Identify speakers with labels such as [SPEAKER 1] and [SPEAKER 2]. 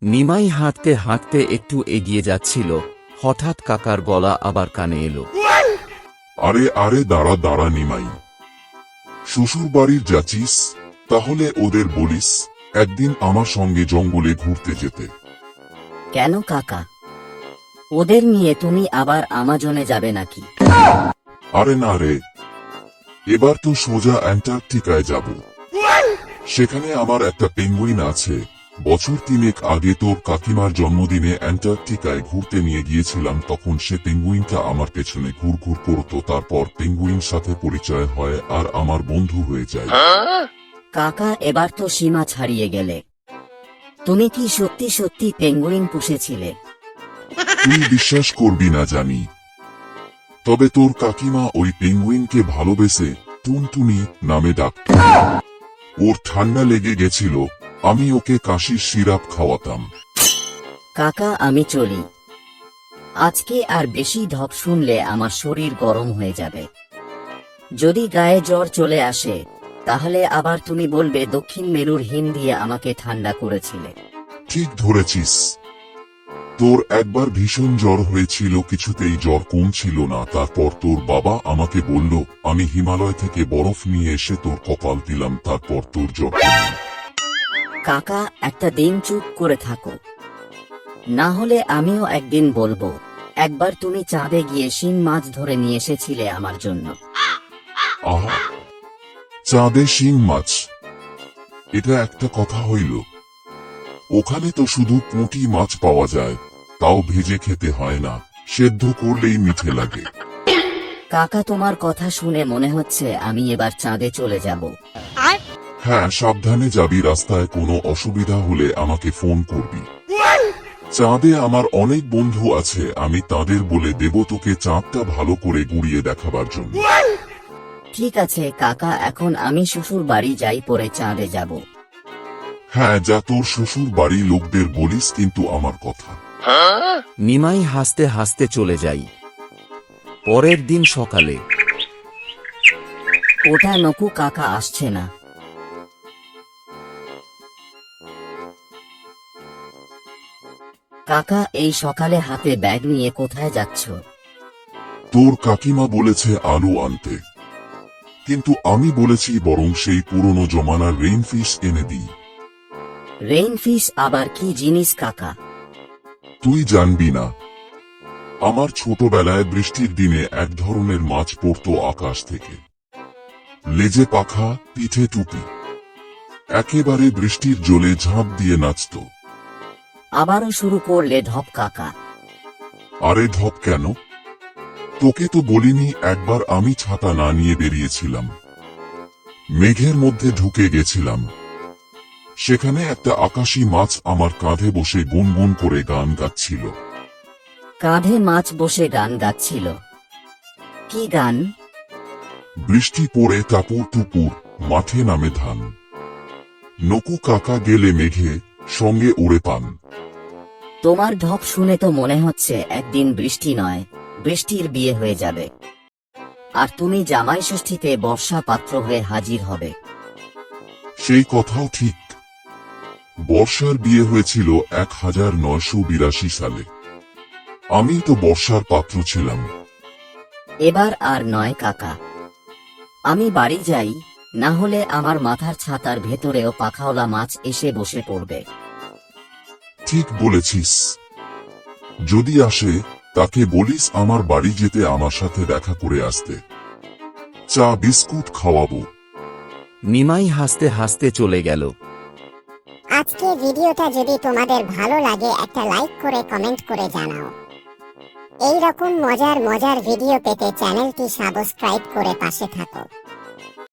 [SPEAKER 1] নিমাই হাঁটতে হাঁটতে একটু এগিয়ে যাচ্ছিল, হঠাৎ কাকার গলা আবার কানে এলো।
[SPEAKER 2] আরে আরে দাঁড়া দাঁড়া নিমাই, শ্বশুর বাড়ির যাচ্ছিস? তাহলে ওদের বলিস একদিন আমার সঙ্গে জঙ্গলে ঘুরতে যেতে।
[SPEAKER 3] কেন কাকা, ওদের নিয়ে তুমি আবার আমাজনে যাবে নাকি?
[SPEAKER 2] আরে না রে, এবার তো সোজা অ্যান্টার্কটিকায় যাব। সেখানে আমার একটা পেঙ্গুইন আছে। বছর 3 আগে তোর কাকিমার জন্মদিনে অ্যান্টার্কটিকায় ঘুরতে নিয়ে গিয়েছিলাম, তখন সে পেঙ্গুইনটা আমার পেছনে ঘুরঘুর করতো। তারপর পেঙ্গুইন সাথে পরিচয় হয় আর আমার বন্ধু হয়ে যায়।
[SPEAKER 3] কাকা, এবার তো সীমা ছাড়িয়ে গেলে। তুমি কি সত্যি সত্যি পেঙ্গুইন পুষেছিলে?
[SPEAKER 2] তুই বিশ্বাস করবি না জানি, তবে তোর কাকিমা ওই পেঙ্গুইনকে ভালোবেসে টুনটুনি নামে ডাকত। ওর ঠান্ডা লেগে গেছিল, আমি ওকে কাশির সিরাপ খাওয়াতাম।
[SPEAKER 3] কাকা, আমি চলি। আজকে আর বেশি ঢপ শুনলে আমার শরীর গরম হয়ে যাবে। যদি গায়ে জ্বর চলে আসে, তাহলে আবার তুমি বলবে দক্ষিণ মেরুর হিম দিয়ে আমাকে ঠান্ডা করেছিলে।
[SPEAKER 2] ঠিক ধরেছিস, তোর একবার ভীষণ জ্বর হয়েছিল, কিছুতেই জ্বর কমছিল না। তারপর তোর বাবা আমাকে বলল আমি হিমালয় থেকে বরফ নিয়ে এসে তোর কপাল দিলাম, তারপর তোর জ্বর কমল।
[SPEAKER 3] কাকা, একটা দিন চুপ করে থাকো, না হলে আমিও একদিন বলবো একবার তুমি চাঁদে গিয়ে শিং মাছ ধরে নিয়ে এসেছিলে আমার জন্য।
[SPEAKER 2] আহা, চাঁদে শিং মাছ, এটা একটা কথা হইল? ওখানে তো শুধু পুঁটি মাছ পাওয়া যায়, তাও ভেজে খেতে হয় না, সেদ্ধ করলেই মিঠে লাগে।
[SPEAKER 3] কাকা, তোমার কথা শুনে মনে হচ্ছে আমি এবার চাঁদে চলে যাব।
[SPEAKER 2] হ্যাঁ, সাবধানে যাবি, রাস্তায় কোনো অসুবিধা হলে আমাকে ফোন করবি। চাঁদে আমার অনেক বন্ধু আছে, আমি তাদের বলে দেব তোকে চাঁদটা ভালো করে ঘুরিয়ে দেখাবার জন্য।
[SPEAKER 3] ঠিক আছে কাকা, এখন আমি শ্বশুর বাড়ি যাই, পরে চাঁদে যাব।
[SPEAKER 2] হ্যাঁ যা, তোর শ্বশুর বাড়ি লোকদের বলিস কিন্তু আমার কথা।
[SPEAKER 1] নিমাই হাসতে হাসতে চলে যাই। পরের দিন সকালে
[SPEAKER 3] ওটা নকু কাকা আসছে না। কাকা, এই সকালে হাতে ব্যাগ নিয়ে কোথায় যাচ্ছ?
[SPEAKER 2] তোর কাকিমা বলেছে আলু আনতে, কিন্তু আমি বলেছি বরং সেই পুরনো জমানার রেইনফিশ এনে দিই।
[SPEAKER 3] রেইনফিশ আবার কি জিনিস কাকা?
[SPEAKER 2] তুই জানবি না, আমার ছোটবেলায় বৃষ্টির দিনে এক ধরনের মাছ পড়তো আকাশ থেকে, লেজে পাখা, পিঠে টুপি, একেবারে বৃষ্টির জলে ঝাঁপ দিয়ে নাচত।
[SPEAKER 3] আবারও শুরু করলে ঢপ কাকা।
[SPEAKER 2] আরে ধপ কেন, তোকে তো বলিনি একবার আমি ছাতা না নিয়ে বেরিয়েছিলাম, মেঘের মধ্যে ঢুকে গেছিলাম, সেখানে একটা আকাশী মাছ আমার কাঁধে বসে গুনগুন করে গান গাচ্ছিল।
[SPEAKER 3] কাঁধে মাছ বসে গান গাচ্ছিল? কি গান?
[SPEAKER 2] বৃষ্টি পড়ে টাপুর টুপুর, মাঠে নামে ধান, নকু কাকা গেলে মেঘে, সঙ্গে উড়ে পান।
[SPEAKER 3] তোমার ঢপ শুনে তো মনে হচ্ছে একদিন বৃষ্টি নয়, বৃষ্টির বিয়ে হয়ে যাবে, আর তুমি জামাই ষষ্ঠীতে বর্ষা পাত্র হয়ে হাজির হবে।
[SPEAKER 2] সেই কথাও ঠিক, বর্ষার বিয়ে হয়েছিল 1982 সালে, আমি তো বর্ষার পাত্র ছিলাম।
[SPEAKER 3] এবার আর নয় কাকা, আমি বাড়ি যাই, না হলে আমার মাথার ছাতার ভেতরেও পাখাওলা মাছ এসে বসে পড়বে।
[SPEAKER 2] ঠিক বলেছিস, যদি আসে তাকে বলিস আমার বাড়ি যেতে আমার সাথে দেখা করে আসতে, চা বিস্কুট খাওয়াবো।
[SPEAKER 1] নিমাই হাসতে হাসতে চলে গেল।
[SPEAKER 4] আজকে ভিডিওটা যদি তোমাদের ভালো লাগে একটা লাইক করে কমেন্ট করে জানাও। এই রকম মজার মজার ভিডিও পেতে চ্যানেলটি সাবস্ক্রাইব করে পাশে থাকো।